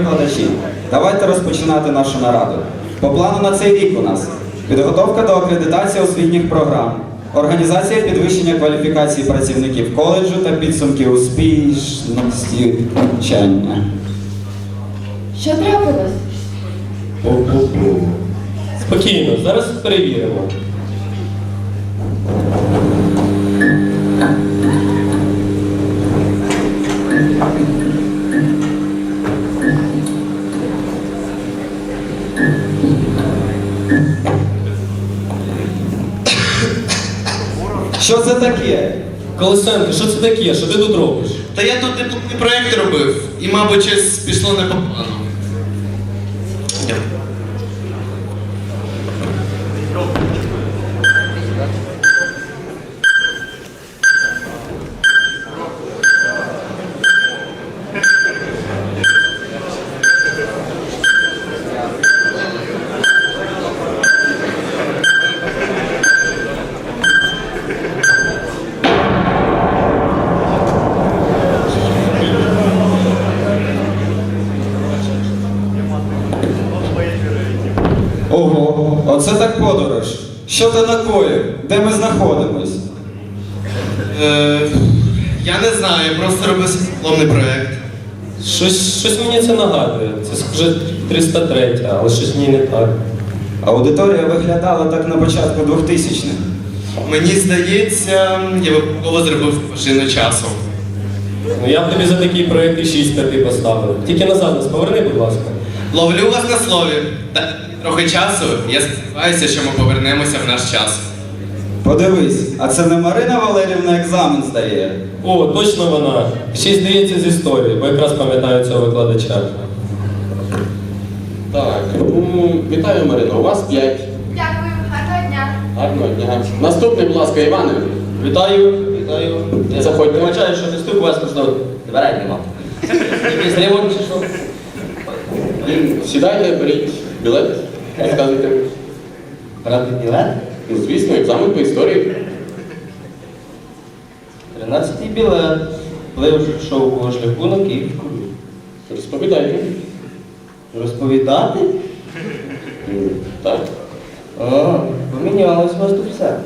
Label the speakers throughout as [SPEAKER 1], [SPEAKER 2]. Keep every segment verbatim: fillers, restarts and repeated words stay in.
[SPEAKER 1] викладачі, давайте розпочинати нашу нараду. По плану на цей рік у нас підготовка до акредитації освітніх програм, організація підвищення кваліфікації працівників коледжу та підсумки успішності навчання.
[SPEAKER 2] Що трапилось?
[SPEAKER 3] Спокійно, зараз перевіримо.
[SPEAKER 1] Що це таке?
[SPEAKER 3] Колесенко, що це таке? Що ти тут робиш?
[SPEAKER 4] Та я тут дипломний проєкт робив, і, мабуть, щось пішло не по плану.
[SPEAKER 1] Ого, оце так подорож. Що ти накоїв? Де ми знаходимось?
[SPEAKER 4] Е, я не знаю, я просто робив свій дипломний проєкт.
[SPEAKER 3] Щось, щось мені це нагадує. Це схоже триста три, але щось мені не так.
[SPEAKER 1] Аудиторія виглядала так на початку двохтисячних.
[SPEAKER 4] Мені здається, я випадково зробив машину часу.
[SPEAKER 3] Ну я б тобі за такий проєкт і шість п'яти поставив. Тільки назад нас поверни, будь ласка.
[SPEAKER 4] Ловлю вас на слові. Та трохи часу, я сподіваюся, що ми повернемося в наш час.
[SPEAKER 1] Подивись, а це не Марина Валерівна екзамен здає?
[SPEAKER 3] О, точно вона. Ще й здається з історії, бо якраз пам'ятаю цього викладача.
[SPEAKER 5] Так, ну, вітаю, Марина, у вас п'ять.
[SPEAKER 2] Дякую, гарного дня.
[SPEAKER 5] Гарного дня. Наступний, будь ласка, Іване.
[SPEAKER 6] Вітаю, вітаю. Я
[SPEAKER 5] Заходьте.
[SPEAKER 6] вибачаю, що не стук, у вас можливо дверей нема. Якийсь ремонт чи що?
[SPEAKER 5] Сідайте, беріть білет, розказуйте.
[SPEAKER 6] Брати білет?
[SPEAKER 5] Ну, звісно, екзамен по історії.
[SPEAKER 6] тринадцятий білет. Плив шовкового шляху на Київську.
[SPEAKER 5] Розповідайте.
[SPEAKER 6] Розповідати?
[SPEAKER 5] М, Так.
[SPEAKER 6] А, помінялось у вас тут все.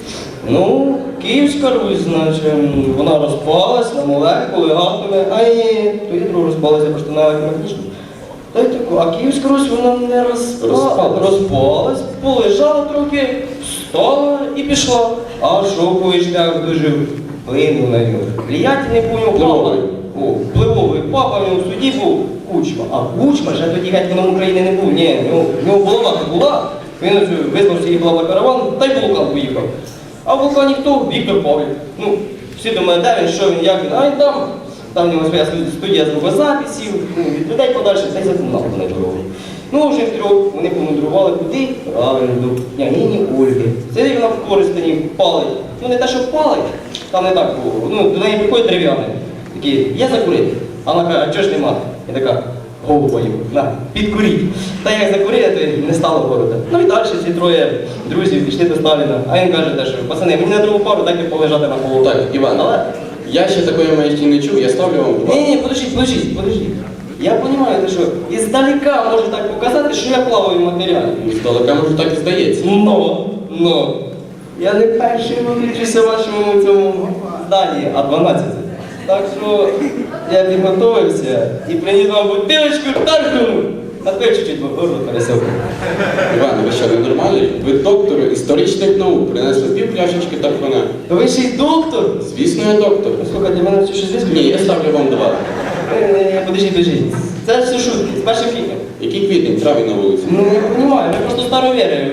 [SPEAKER 6] Ну, Київська Русь, значить, вона розпалась на молекули, атоми, а і то ядро розпалося просто на магнічно. Та й таку, а Київська Русь вона не розпа...
[SPEAKER 5] Розпалась.
[SPEAKER 6] розпалась, полежала трохи, встала і пішла. А шовковий шлях дуже вплинув на нього. Влиятельний по ньому папа.
[SPEAKER 5] Впливовий.
[SPEAKER 6] О, впливовий папа, в нього в суді був Кучма. А Кучма вже тоді гетьманом України не був. Ні, в нього, в нього булава була, він визнав свій глава караван, та й в вулкан поїхав. А в вулкані хто? Віктор Павлів. Ну, всі думають, де він, що він, як він, а він там. Там в нього своя студія звукозаписів, ну, від людей подальше, та й запомнав на дорогу. Ну, вже втрьох вони помудрували куди? Правильно, до княгині Ольги. Сидить вона в Коростені, палить. Ну, не те, що палить, там не так було. Ну, до неї приходить дерев'яний. Такий, є закурити? А вона каже, а чого ж нема? І така, голубою, на, підкуріть. Та як закурили, то й не стало города. Ну і далі ці троє друзів пішли до Сталіна. А він каже, те, що пацани, мені на другу пару дайте полежати на полу.
[SPEAKER 5] Так, Іван,
[SPEAKER 6] Але...
[SPEAKER 5] я ще такої маячні не чув, я ставлю вам два.
[SPEAKER 6] Ні, ні, подождіть, подождіть, подождіть. Я розумію, що іздалека може так показати, що я плаваю в матеріалі.
[SPEAKER 5] Здалека, може, так і здається.
[SPEAKER 6] Но, но, я не перший виключуся в вашому цьому зданні, а дванадцятий. Так що я підготовився і приніс вам бутилочку тархану. А то я чуть-чуть горло пересохло.
[SPEAKER 5] Іван, ви що, ненормальний? Ви доктор історичних наук, принесли пів пляшечки тархуна.
[SPEAKER 6] То ви ще й доктор?
[SPEAKER 5] Звісно, я доктор.
[SPEAKER 6] Слухайте, мене це щось зв'язку?
[SPEAKER 5] Ні, я ставлю вам два.
[SPEAKER 6] Подождіть, подождіть. Це все шутки, з першим фільмом.
[SPEAKER 5] Який квітень, травень на вулиці?
[SPEAKER 6] Ну, я розумію, ми просто старовіри.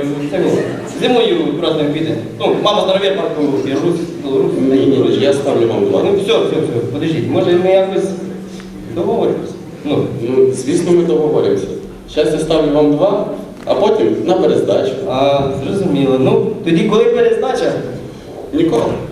[SPEAKER 6] Зимою просто квітень. Ну, мама старовір, батько Білорус, Білорус.
[SPEAKER 5] Ні, ні, ні, я ставлю вам два.
[SPEAKER 6] Ну, все, все, все, подождіть, може ми якось договоримось? Ну,
[SPEAKER 5] Ну, звісно, ми договоримося. Зараз я ставлю вам два, а потім на перездачу.
[SPEAKER 6] а, зрозуміло. Ну, тоді коли перездача?
[SPEAKER 5] Ніколи.